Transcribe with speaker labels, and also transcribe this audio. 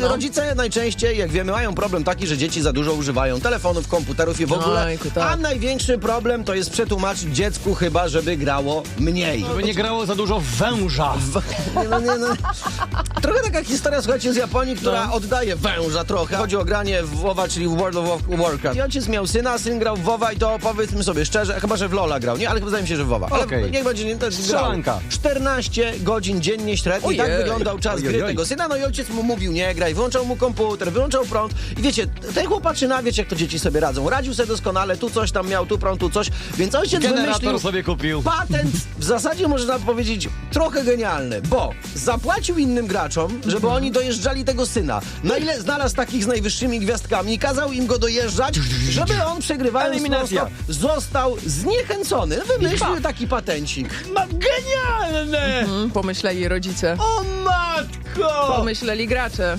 Speaker 1: rodzice najczęściej, jak wiemy, mają problem taki, że dzieci za dużo używają telefonów, komputerów i w ogóle.
Speaker 2: Ojku, tak.
Speaker 1: A największy problem to jest przetłumaczyć dziecku chyba, żeby grało mniej.
Speaker 3: Żeby nie grało za dużo węża.
Speaker 1: Nie. Trochę taka historia, słuchajcie, z Japonii, która oddaje węża trochę. Chodzi o granie w WoWa, czyli w World of Warcraft. I ojciec miał syna, syn grał w WoWa i to powiedzmy sobie szczerze, chyba że w LoL'a grał, nie? Ale chyba wydaje mi się, że w WoWa. Ale
Speaker 3: Okej.
Speaker 1: niech będzie, nie, to jest
Speaker 3: Strzelanka.
Speaker 1: 14 godzin dziennie średnio. I
Speaker 2: Ojej.
Speaker 1: tak wyglądał czas gry
Speaker 3: Ojej.
Speaker 1: tego syna. No i ojciec mu mówił, nie graj, wyłączał mu komputer, wyłączał prąd. I wiecie, ten chłopaczyna, wiecie jak to dzieci sobie radzą. Radził sobie doskonale, tu coś tam miał, tu prąd, tu coś. Więc ojciec
Speaker 3: Generator
Speaker 1: wymyślił
Speaker 3: sobie kupił.
Speaker 1: patent, w zasadzie można powiedzieć trochę genialny, bo zapłacił innym graczom, żeby oni dojeżdżali tego syna. Na ile znalazł takich z najwyższymi gwiazdkami, kazał im go dojeżdżać, żeby on przegrywając
Speaker 3: Eliminacja.
Speaker 1: non-stop, został zniechęcony. Wymyślił taki patencik.
Speaker 3: Genialne!
Speaker 2: Pomyśleli rodzice.
Speaker 3: O matko!
Speaker 2: Pomyśleli gracze.